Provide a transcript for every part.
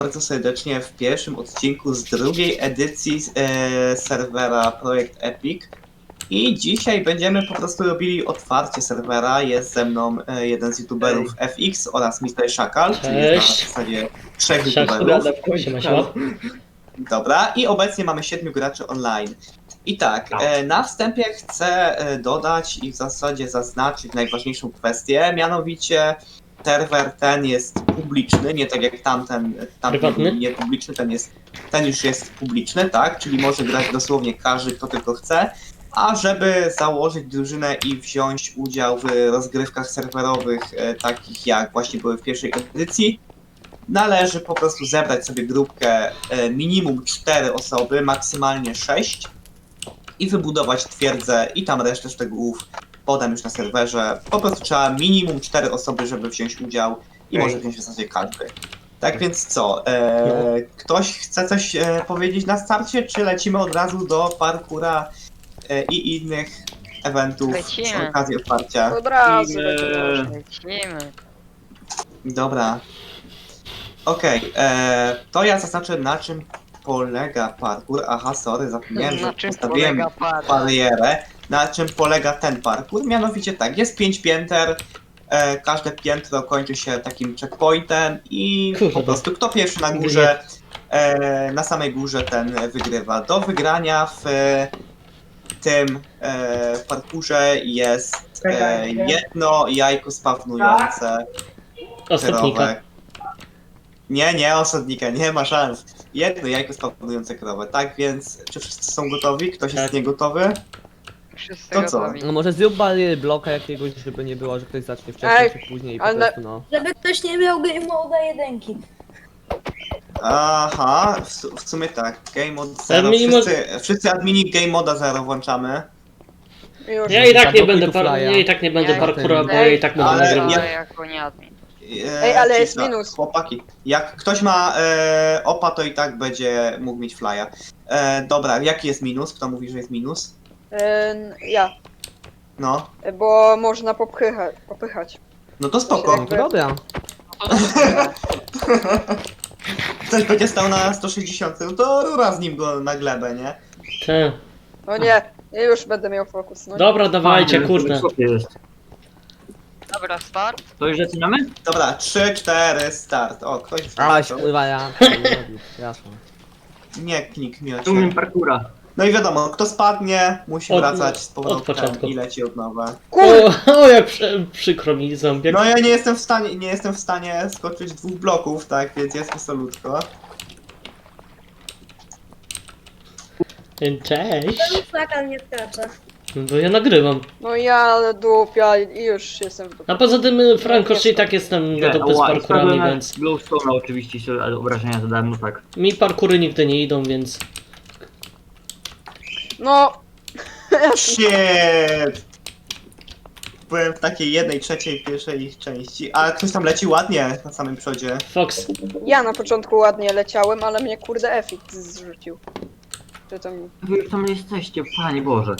bardzo serdecznie w pierwszym odcinku z drugiej edycji serwera Projekt Epic. I dzisiaj będziemy po prostu robili otwarcie serwera. Jest ze mną jeden z youtuberów FX oraz Mr. Szakal, czyli jest na Cześć. zasadzie 3 Siema, youtuberów. siema, siema. Dobra, i obecnie mamy 7 graczy online. I tak, na wstępie chcę dodać i w zasadzie zaznaczyć najważniejszą kwestię, mianowicie serwer ten jest publiczny, nie tak jak tamten Prywatny? nie publiczny, ten już jest publiczny, tak? Czyli może grać dosłownie każdy, kto tylko chce. A żeby założyć drużynę i wziąć udział w rozgrywkach serwerowych, takich jak właśnie były w pierwszej edycji, należy po prostu zebrać sobie grupkę minimum 4 osoby, maksymalnie 6 i wybudować twierdzę i tam resztę szczegółów podam już na serwerze. Po prostu trzeba minimum 4 osoby, żeby wziąć udział i może wziąć w zasadzie każdy. Tak więc co, ktoś chce coś powiedzieć na starcie, czy lecimy od razu do parkura i innych eventów z okazji otwarcia? Od razu Lecimy. Dobra. Okej, to ja zaznaczę na czym polega parkour. Aha, sorry, zapomniałem, że Na czym postawiłem polega parkour? barierę. Na czym polega ten parkour? Mianowicie tak, jest 5 pięter, każde piętro kończy się takim checkpointem i Kurde. po prostu kto pierwszy na górze, na samej górze ten wygrywa. Do wygrania w tym parkurze jest jedno jajko spawnujące Osobnika. krowę. Nie, osadnika, nie ma szans. Jedno jajko spawnujące krowę, tak więc czy wszyscy są gotowi? Ktoś jest Tak. niegotowy? Wszyscy To co? gotowi. No może zrób bariery bloka jakiegoś, żeby nie było, że ktoś zacznie wcześniej Ej, czy później i po ale- prostu no. Żeby ktoś nie miał game moda jedynki. Aha, w sumie tak, game mode 0, mimo- wszyscy admini game moda 0 włączamy. Już. Ja i tak nie Zablokuj będę tu flya. ja i tak nie będę Ja parkoura, bo jestem- ja i tak będę Ale nagrywał. ja- jako nie admin. Ej, ale jest cisza. minus. Chłopaki, jak ktoś ma opa, to i tak będzie mógł mieć flya. Dobra, jaki jest minus? Kto mówi, że jest minus? Ja, No, bo można popychać. no to spoko. No to dobra. Ktoś będzie stał na 160, no to rura z nim go na glebę, nie? Te. No nie, ja już będę miał fokus. No. Dobra, dawajcie, kurde. Dobra, start. To już zaczynamy? Dobra, 3, 4, start. O, ktoś już Aleś zaczął. pływa ja. Jasno. Nie klik miocie. Tu umiem parkura. No i wiadomo, kto spadnie, musi Od- wracać z od powrotem początku. i leci od nowa. O, jak przykro mi zombiak. No ja nie jestem w stanie skoczyć 2 bloków, tak, więc jest mi solutko. Cześć. Ten flaka nie skacze. No bo ja nagrywam. No ja, ale dupia i już jestem w dupie. A poza tym Franko, i tak jestem do dupy z parkurami, więc Glowstone'a oczywiście się obrażenia zadałem, no tak. mi parkury nigdy nie idą, więc No, Shit! Byłem w takiej 1/3 pierwszej ich części, a ktoś tam leci ładnie na samym przodzie. Fox. ja na początku ładnie leciałem, ale mnie kurde efekt zrzucił. Czy to mi... Wy już tam jesteście, Panie Boże.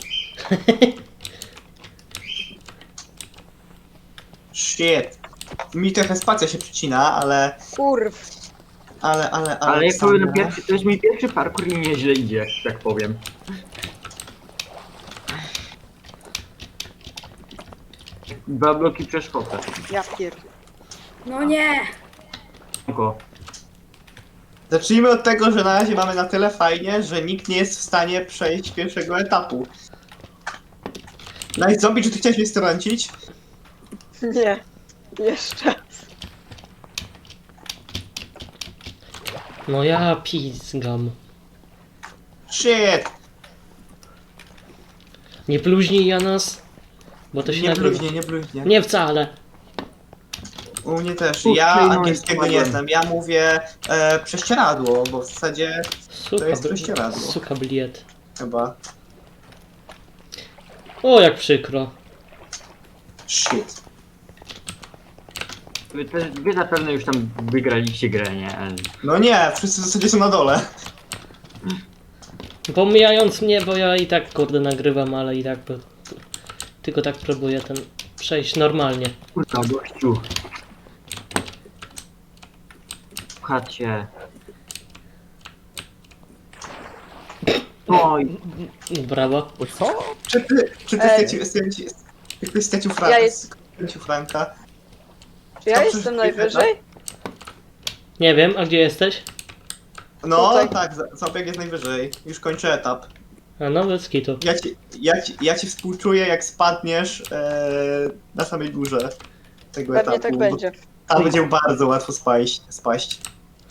Shit. Mi trochę spacja się przycina, ale... Kurw. Ale jak powiem na pierwszy, to jest mój pierwszy parkour i nieźle idzie, tak powiem. Dwa bloki przeszkodzę. Ja pierdolę. No nie. Tylko. Zacznijmy od tego, że na razie mamy na tyle fajnie, że nikt nie jest w stanie przejść pierwszego etapu. Nice zombie, czy ty chciałeś mnie strącić? Nie. Jeszcze. No ja pizgam. Shit! Nie bluźnij Janas, bo to się Nie nagrywa. bluźnie, nie bluźnie. Nie wcale. U mnie też. Kurczę, Ja no, angielskiego nie spadłem. znam. Ja mówię prześcieradło, bo w zasadzie Suka, jest prześcieradło. suka bliet. chyba. O, jak przykro. Shit. Wy zapewne już tam wygraliście grę, nie? No nie, wszyscy w zasadzie są na dole. Pomijając mnie, bo ja i tak kurde nagrywam, ale i tak tylko tak próbuję ten przejść normalnie. Kurwa, gościu. Słuchajcie. Oj, Brawo. O co? Czy ty Ej. stracił Ja jest- Franka? Czy ja To jestem przez- najwyżej? Nie wiem, a gdzie jesteś? No Tutaj. tak, Ząbek jest najwyżej. Już kończę etap. A no, bez kitu. Ja ci współczuję, jak spadniesz na samej górze tego Pewnie etapu. tak bo będzie. Tam będzie bardzo łatwo spaść.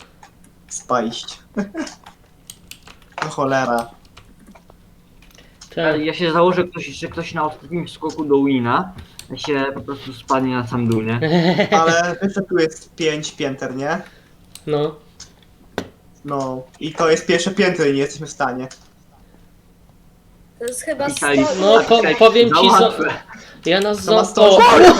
No cholera. Tak. ale ja się założę, że ktoś na ostatnim skoku do wina się po prostu spadnie na sam dół, nie? Ale wiesz, że tu jest 5 pięter, nie? No. No. I to jest pierwsze piętro i nie jesteśmy w stanie. To jest chyba Pisali- 100. No, powiem ci, Za łatwe. ja nas To ma o, 100. Mamy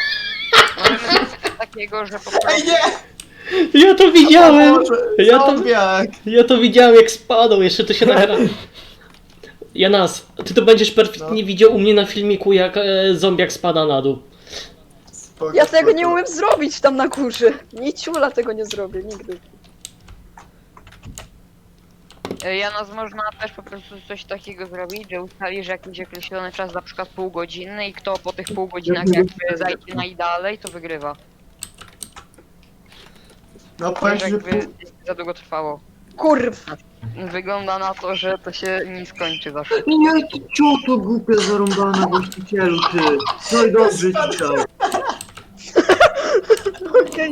takiego, że po Ej, prostu nie! ja to widziałem! O Boże, Ja to- Zombiak! Ja to widziałem jak spadł, jeszcze to się nagra. Janas, ty to będziesz perfektnie widział u mnie na filmiku, jak zombiak spada na dół. Spoko, Ja tego spoko. nie umiem zrobić tam na górze. Niciula tego nie zrobię, nigdy. Janos można też po prostu coś takiego zrobić, że ustalisz jakiś określony czas, na przykład pół godziny i kto po tych pół godzinach jakby zajdzie najdalej, to wygrywa. No powiem ci, że Jakby za długo trwało. Kurw! Wygląda na to, że to się nie skończy zawsze. Nie, ty cioto głupia zarąbana właścicielu, ty. No i dobrze dzisiaj. Okej.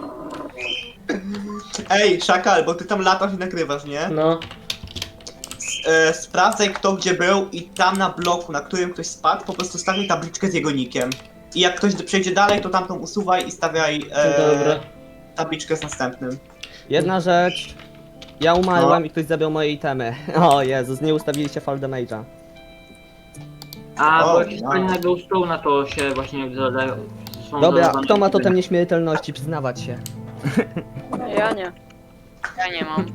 Ej, Szakal, bo ty tam latasz i nagrywasz, nie? No. Sprawdzaj kto gdzie był i tam na bloku, na którym ktoś spadł, po prostu stawiaj tabliczkę z jego nickiem. I jak ktoś przejdzie dalej, to tamtą usuwaj i stawiaj Dobra. tabliczkę z następnym. Jedna rzecz. Ja umarłem No. i ktoś zabrał moje itemy. O Jezus, nie ustawiliście fall damage'a. A, O, bo jak się wow. stanie na glowstone'a, to się właśnie zadają. Dobra, kto ma totem nieśmiertelności? Przyznawać się. Ja nie. Ja nie mam.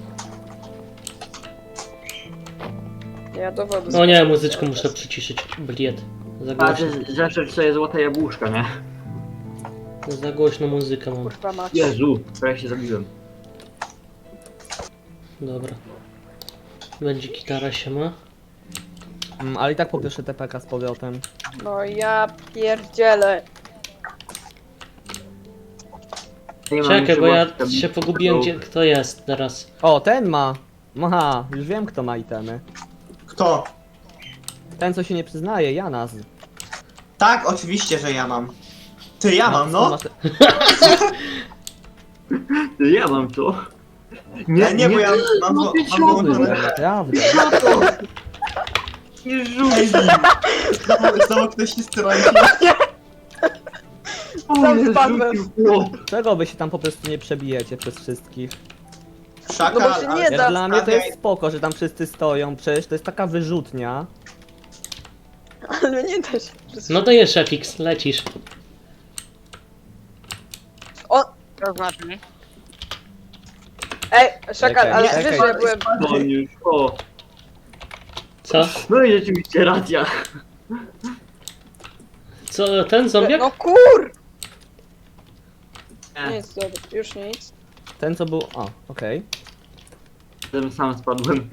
Ja do wody. O nie, muzyczkę muszę przyciszyć. Bliet. Za A, głośno. ty zawsze sobie złote jabłuszka, nie? Za głośno muzykę mam. Kurwa mać. Jezu, prawie się zabiłem. Dobra. Będzie gitara się ma. Ale i tak poproszę TPK z powrotem. No ja pierdzielę. Nie mam Czekaj, bo ja jeszcze się pogubiłem, gdzie kto jest teraz. O, ten ma! Aha, już wiem kto ma itemy. Kto? Ten co się nie przyznaje, Janas. Tak, oczywiście, że ja mam. Ty, ja mam, no. Ja mam to. Nie, bo ja mam no ty mam ciągle. wyłączone. Naprawdę. Co to? Nie rzuć. Ej, znowu ktoś się stroi. O, nie spadłem. rzucił. O, Czego wy się tam po prostu nie przebijecie przez wszystkich? Szakal, No bo się nie ale da. Dla mnie to stawiaj- jest spoko, że tam wszyscy stoją, przecież to jest taka wyrzutnia. Ale nie da się. No to jest FX, lecisz. To znaczy, Ej, Szakal, Czekaj, ale czekaj. wiesz, że ja byłem... o, już. O. Co? No i rzeczywiście racja. Co, ten zombiak? No kur! Nie, Nic, dobra, już nic. Ten co był... O, okej. ten sam spadłem.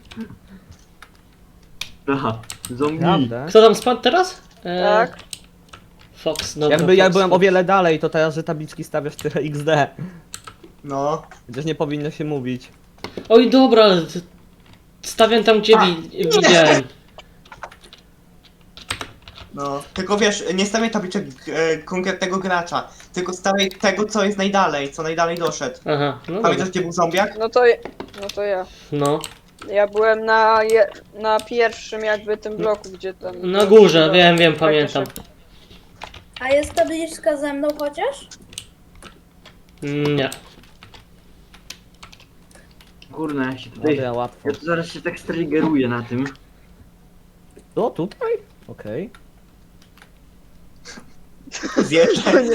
Aha, zombie. Prawda? Kto tam spadł teraz? Tak. Fox, dobra. Jakby ja Fox, byłem o Fox. wiele dalej, to teraz, że tabliczki stawiasz tyle XD. No. Chociaż nie powinno się mówić. Oj, dobra, ale stawiam tam, gdzie widziałem. No, tylko wiesz, nie stawiaj tabliczek konkretnego gracza, tylko stawiaj tego, co jest najdalej, co najdalej doszedł. Aha, no Pamiętasz, dobra. gdzie był zombiak? No to ja. No, Ja byłem na pierwszym jakby tym bloku, gdzie tam... na górze, wiem, pamiętam. A jest tabliczka ze mną chociaż? Nie. Kurna, ja się tutaj... Dobra, łatwo. Ja tu zaraz się tak striggeruję na tym. O, tutaj? Okej. Zjeżdżaj.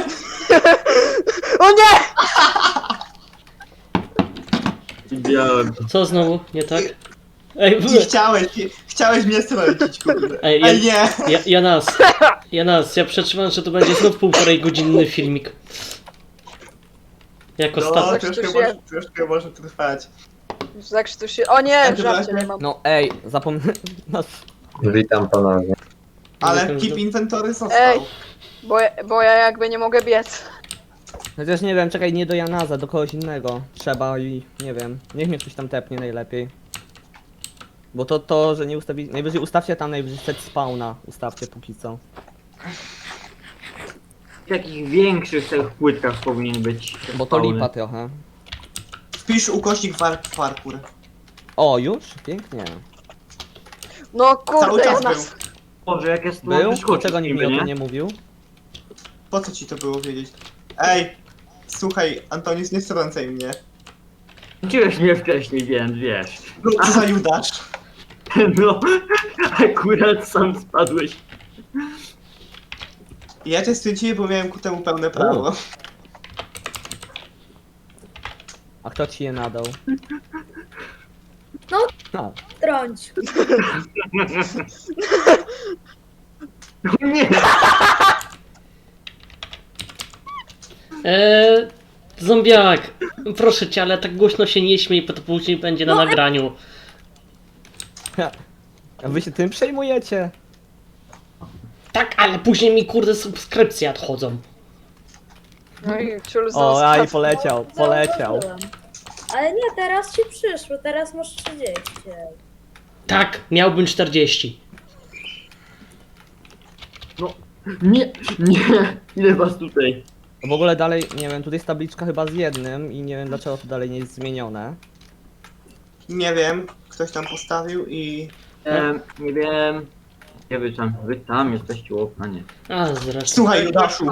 O nie! Widziałem. Co znowu? Nie tak? Ej, Chciałeś mnie strącić, kurde. Ej, Ej, nie! Janas, ja przetrzymam, że to będzie znów 1,5 godzinny filmik. Jak No, ostatni. troszkę Coś może trwać. Zakrztusi... O nie, w Dobra, żarcie nie mam. No ej, zapomniałem. Witam ponownie. Ale Jestem keep do- inventory został. Ej. Bo ja jakby nie mogę biec. Chociaż nie wiem, czekaj, nie do Janaza, do kogoś innego. Trzeba i nie wiem. Niech mnie ktoś tam tepnie najlepiej. Bo to, że nie ustawi... Najwyżej ustawcie tam najwyżej set spawna. Ustawcie póki co. W takich większych tych płytkach powinien być. Bo to spawny. lipa trochę. Wpisz ukośnik parkour. O, już? Pięknie. No Cały kurde, czas ja był. nas... Boże, jak jest tu Był? wyskoczyć Dlaczego nikt mi niby, o tym nie mówił? Po co ci to było wiedzieć? Ej, słuchaj, Antonius, nie strącaj mnie. Wróciłeś mnie wcześniej, więc wiesz. No, za Judasz. No, akurat sam spadłeś. Ja cię stwierdziłem, bo miałem ku temu pełne prawo. A kto ci je nadał? No. A, Trąć. No nie! Zombiak, proszę cię, ale tak głośno się nie śmiej, bo to później będzie na nagraniu. a wy się tym przejmujecie? Tak, ale później mi kurde subskrypcje odchodzą. No i ciul O, aj, zostaw. poleciał, No, poleciał. zauważyłam. Ale nie, teraz ci przyszło, teraz masz 30. Tak, miałbym 40. Nie! Nie! Ile was tutaj? W ogóle dalej, nie wiem, tutaj jest tabliczka chyba z jednym i nie wiem dlaczego to dalej nie jest zmienione. Nie wiem, ktoś tam postawił i... Nie wiem. Nie wy tam jesteście u okna, nie. A, zresztą. Słuchaj, Judaszu.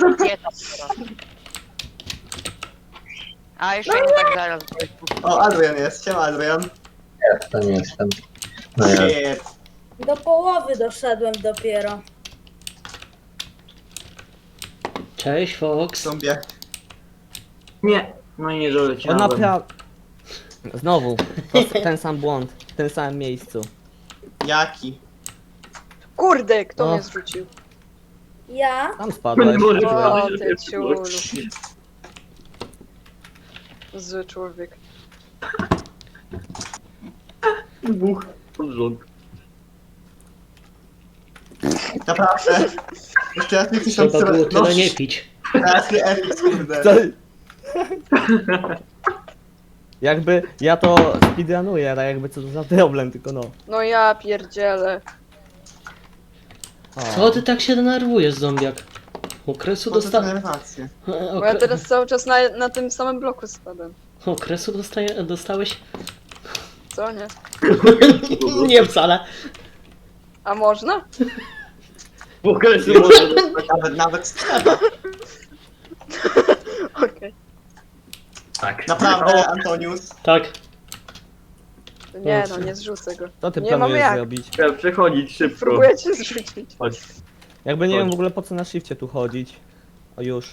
A jeszcze nie tak zaraz. O, Adrian jest. Siema, Adrian. Jestem. No ja. Shit. Do połowy doszedłem dopiero. Cześć, Fox. Zombiak. Nie! No i nie O doleciałem. naprawdę. Znowu, ten sam błąd, w tym samym miejscu. Jaki? Kurde, kto O. mnie zrzucił? Ja? Tam spadłeś. Nie może O, być, ty że ciulu. Zły człowiek. Dwóch pod rząd. Naprawdę. Jeszcze raz nie chcesz tam Trzeba było no, tyle nie pić. teraz nie epic, kurde. Co? Jakby ja to speedrunuję, tak jakby co to za problem, tylko no. No ja pierdzielę. O. Co ty tak się denerwujesz, zombiak? Okresu Po co te dostałem. denerwacje? Bo ja teraz cały czas na tym samym bloku spadam. Okresu dostałeś? Co nie? Nie wcale. A można? W okresie może dostać. Nawet trzeba. Okej. Tak. Naprawdę, Antonius. Tak. Nie no, nie zrzucę go. Co ty Nie mamy planujesz jak. zrobić? Trzeba przechodzić szybko. Próbuję cię zrzucić. Chodź. Jakby nie Chodź. wiem w ogóle po co na shifcie tu chodzić. O już.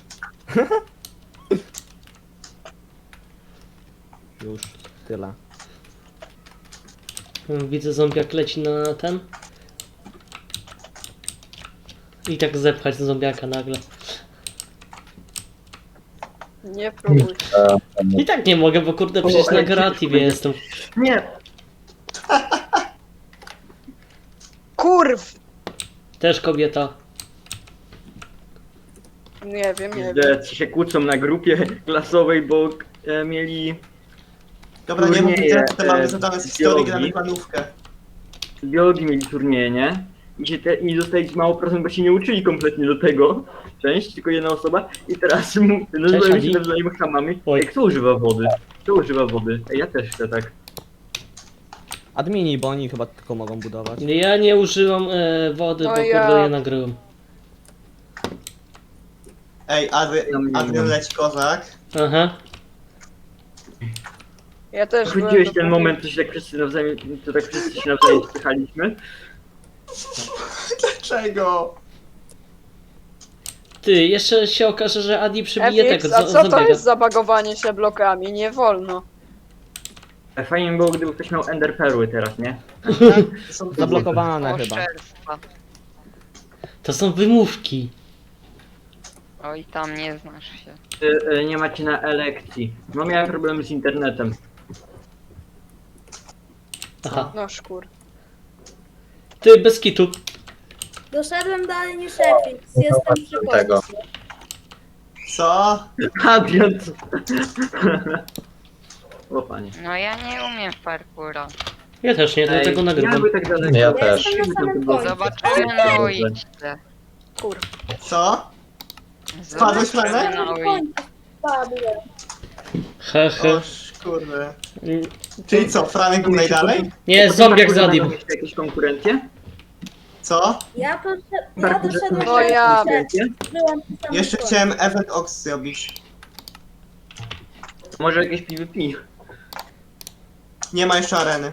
Już, tyle. Widzę, zombiak leci na ten. I tak zepchać zombiaka nagle. Nie próbuj. I tak nie mogę, bo kurde przecież na Garativie jestem. Nie! Kurw! Też kobieta. Nie wiem, nie wiem. Że ci się kłócą na grupie klasowej, bo mieli Dobra, nie mów, Turnieje, że mamy zadane z historii, biologii. gramy planówkę. z biologii mieli turnieje, nie? I dostali mało procent, bo się nie uczyli kompletnie do tego. Część, tylko jedna osoba. I teraz nazywają się Adi. nawzajem chamami. Oj. Ej, kto używa wody? Kto używa wody? Ej, ja też chcę tak. Admini, bo oni chyba tylko mogą budować. Ja nie użyłam wody, No bo ja- kurde je nagryłem. Ej, Adrian leci kozak. Aha. Ja też byłem Chodziłeś do ten połowy. moment, to tak wszyscy się nawzajem spychaliśmy. Dlaczego? Ty, jeszcze się okaże, że Adi przybije FX, tego a co to zombiaka. jest zabagowanie się blokami? Nie wolno. Fajnie by było, gdyby ktoś miał ender perły teraz, nie? To są Zablokowane chyba. Oszczerstwa. To są wymówki. Oj, tam nie znasz się. Nie macie na elekcji. No miałem problem z internetem. Aha. No szkur. Ty, bez kitu. Doszedłem dalej niż Efix. Jestem przy Tego. końcu. Co? Adrian. O panie. No ja nie umiem w parkoura. Ja też nie, dlatego nagrywam. Jakby tak daleko. Ja Ja też. jestem na samym końcu. Zobaczymy na uliczce. Kur. Co? Spadłeś, Zobaczymy Franek? na Na uliczce. końcu spadłem. Hehe. O kurde. Czyli co, Franek był najdalej? Nie, zombiak za nim. Jeszcze jakieś konkurencje? Co? Ja doszedłem No ja- byłam przy samym Jeszcze końcu. chciałem event Ox zrobić. Może jakieś PvP? Nie ma jeszcze areny.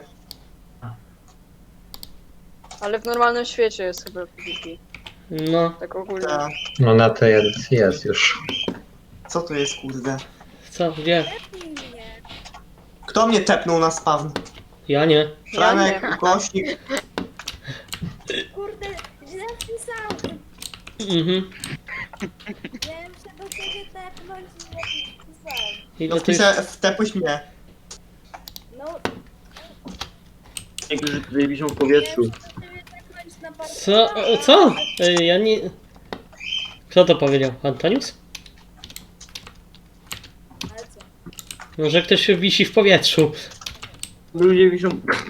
Ale w normalnym świecie jest chyba PvP. No, Tak ogólnie. Ta. No na tej edycji jest już. Co to jest, kurde? co, gdzie? Nie. Kto mnie tepnął na spawn? Ja nie. Franek, Ja nie. ukośnik. Kurde, źle wpisałem. Mhm. Miałem się do ciebie tepnąć i źle wpisałem. Ile No to jest? wpiszę, wtepuś mnie. No, Niektórzy tutaj wiszą w powietrzu. miałem się do ciebie tepnąć na parkour. Co? Co? Ja nie... Kto to powiedział? Antonius? Ale co? No, że ktoś wisi w powietrzu. Ludzie wiszą...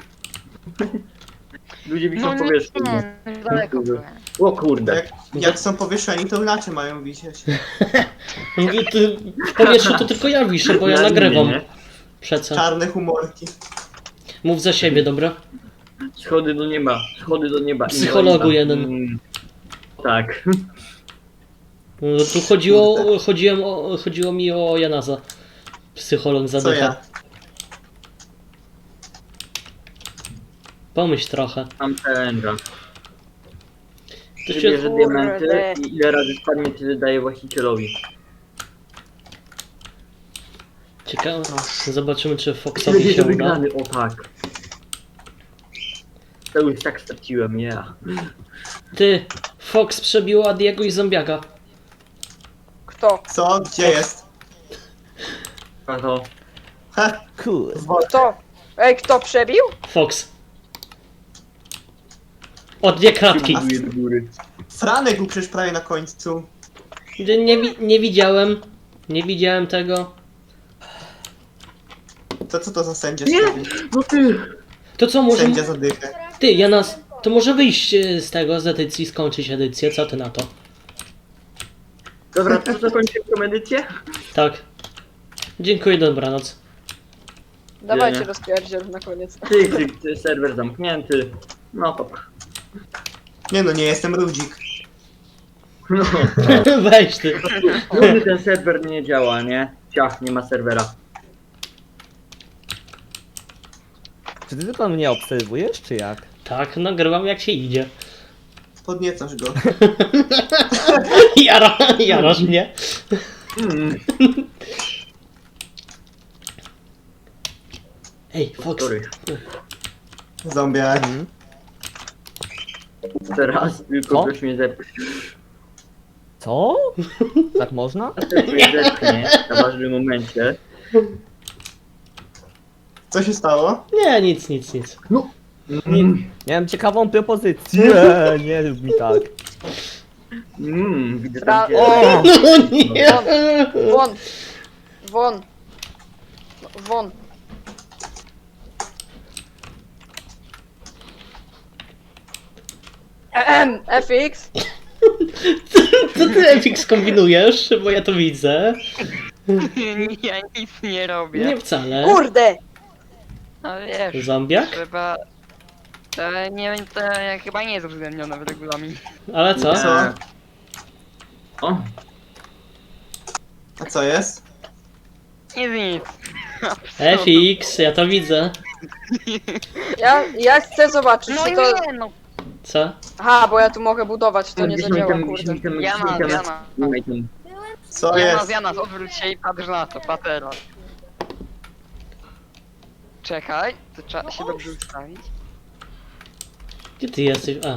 Ludzie wiszą No w powietrzu. nie, już daleko byłem. O kurde. Jak są powieszeni, to inaczej mają wisieć. Mówię, ty, w powietrzu to tylko ja wiszę, bo ja Na nagrywam. linie, Przeca. Czarne humorki. Mów za siebie, dobra? nie? Schody do nieba, schody do nieba. Psychologu Inwalida. jeden. Tak. No, tu chodziło mi o Janaza. Psycholog Co zadycha. ja? Pomyśl trochę. Mam challenge'a. To się... Bierze diamenty Kurde. i ile razy spadnie, tyle daje właścicielowi. Ciekawe. Zobaczymy, czy Będzie Foxowi się uda. wygrany, o tak. To już tak straciłem, nie ja. Ty, Fox przebił Adiego i Zombiaka. Kto? Co? Gdzie jest? A to... Ha, Kurwa. Kto? Ej, kto przebił? Fox. O dwie kratki. Buduje do góry. Franek był przecież prawie na końcu. Nie widziałem. Nie widziałem tego. To co to za sędzia Nie! zrobił? No ty! To co, może... Sędzia zadychę. Ty, Janas, to może wyjść z tego, z edycji, skończyć edycję, co ty na to? Dobra, to zakończymy tą edycję? Tak. Dziękuję, dobranoc. Dawajcie Nie. rozpierdziel na koniec. Ty, serwer zamknięty. No to... Nie no, nie jestem Rudzik. No, Weź ty. ten serwer nie działa, nie? Ciach, nie ma serwera. Czy ty tylko mnie obserwujesz, czy jak? Tak, nagrywam jak się idzie. Podniecasz go. Jarasz mnie. Mm, Ej, Fox. sorry. Zombiak. Mhm. Teraz tylko Co? ktoś mnie zepchnie. Co? Tak można? Ktoś mnie zepchnie na ważnym momencie. Co się stało? Nie, nic. Miałem ciekawą propozycję. Nie rób mi tak. Widzę Fra- tam gdzie... O! No nie. Won! Won! Won! FX? Co ty, Epix, kombinujesz? Bo ja to widzę. Ja nic nie robię. Nie wcale. Kurde! No wiesz, Zombiak? trzeba... To chyba nie jest uwzględnione w regulaminie. Ale co? Co? O, A co jest? Nic. FX, ja to widzę. Ja chcę zobaczyć, No czy to... nie, no. Co? Aha, bo ja tu mogę budować, to nie gdzieś zadziała, mi kurde. Jana. Co jest? Janas, odwróć się i patrz na to, patera. Czekaj, to trzeba się dobrze ustawić. Gdzie ty jesteś? A.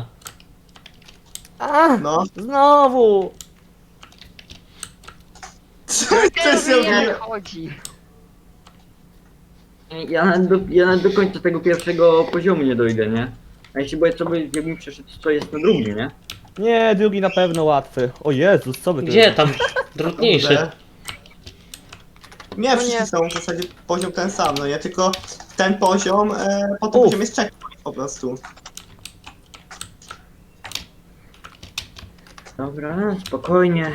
A, No. znowu! Co ty Nie zrobił? chodzi. Ja nawet do końca tego pierwszego poziomu nie dojdę, nie? A jeśli boję, co by, jakbym przeszedł, co jest na drugim, nie? Nie, drugi na pewno łatwy. O Jezus, co wy tu Gdzie tam? Trudniejszy. Kurde. Nie, No wszyscy nie. są w zasadzie poziom ten sam, no nie? Tylko ten poziom, po tym Uf. poziomie jest checkpoint po prostu. Dobra, spokojnie.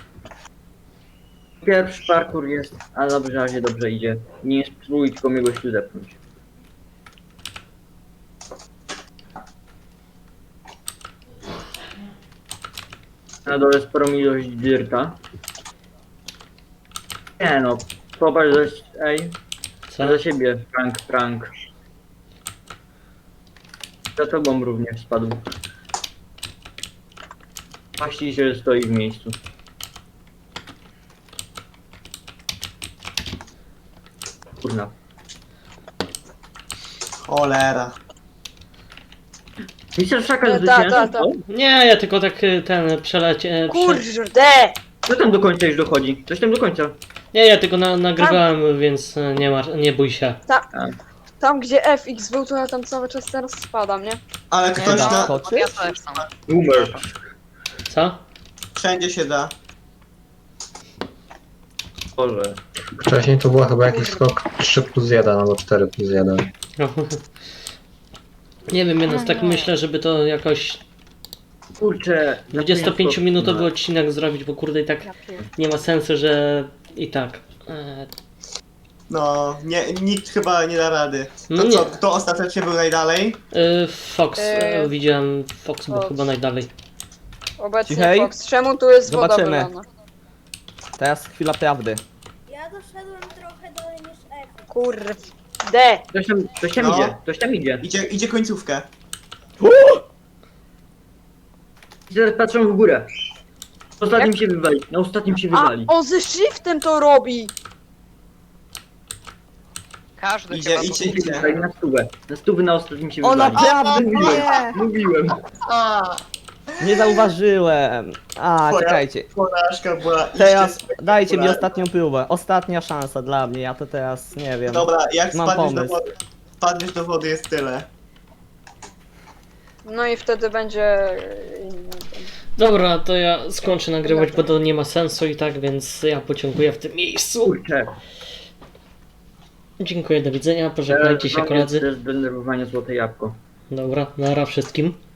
Pierwszy parkour jest, ale dobrze, razie dobrze idzie. Nie spróbuj tylko mnie gościu zepchnąć. Na dole sporą ilość dirta. Nie no, popatrz ej, Co? za siebie, Frank. Za tobą również spadł. Właściciel stoi w miejscu. Kurna. Cholera. Mister Szaka Ta, zwyciężył? ta. Nie, ja tylko tak ten przelecie... Kurde! Co tam do końca już dochodzi? Coś tam do końca. Nie, ja tylko nagrywałem, więc nie bój się. Tam gdzie FX był, to ja tam cały czas teraz spadam, nie? Ale Nie, ktoś no, na... skoczy? ja też sam. Boomer. Co? Wszędzie się da. Boże. Wcześniej to było chyba jakiś skok 3+1 albo 4+1. Nie wiem, więc tak myślę, żeby to jakoś Kurczę. 25-minutowy odcinek zrobić, bo kurde i tak nie ma sensu, że i tak. No, nikt chyba nie da rady. No To nie. co, kto ostatecznie był najdalej? Fox, widziałem Fox był Fox. chyba najdalej. Obecnie Cichej. Fox. Czemu tu jest woda Zobaczymy. wylana? Teraz chwila prawdy. Ja doszedłem trochę dalej niż Efi. Kurde. Ktoś tam No. idzie, ktoś tam idzie. Idzie końcówkę. I teraz patrzą w górę. Na ostatnim się wywali, na ostatnim się A, wywali. on ze shiftem to robi! Każdy Idzie, chyba idzie. Wywali na stówę. Na stówę na ostatnim się O wywali. naprawdę nie! Mówiłem. Nie zauważyłem. A, czekajcie. Porażka była Teraz iście dajcie mi spektakularna. ostatnią próbę. Ostatnia szansa dla mnie, ja to teraz nie wiem. Dobra, jak Mam pomysł. spadniesz do wody jest tyle. No i wtedy będzie... Dobra, to ja skończę nagrywać, bo to nie ma sensu i tak, więc ja podziękuję w tym miejscu. Kurczę. Dziękuję, do widzenia, pożegnajcie się koledzy. To jest zdenerwowanie złote jabłko. Dobra, nara wszystkim.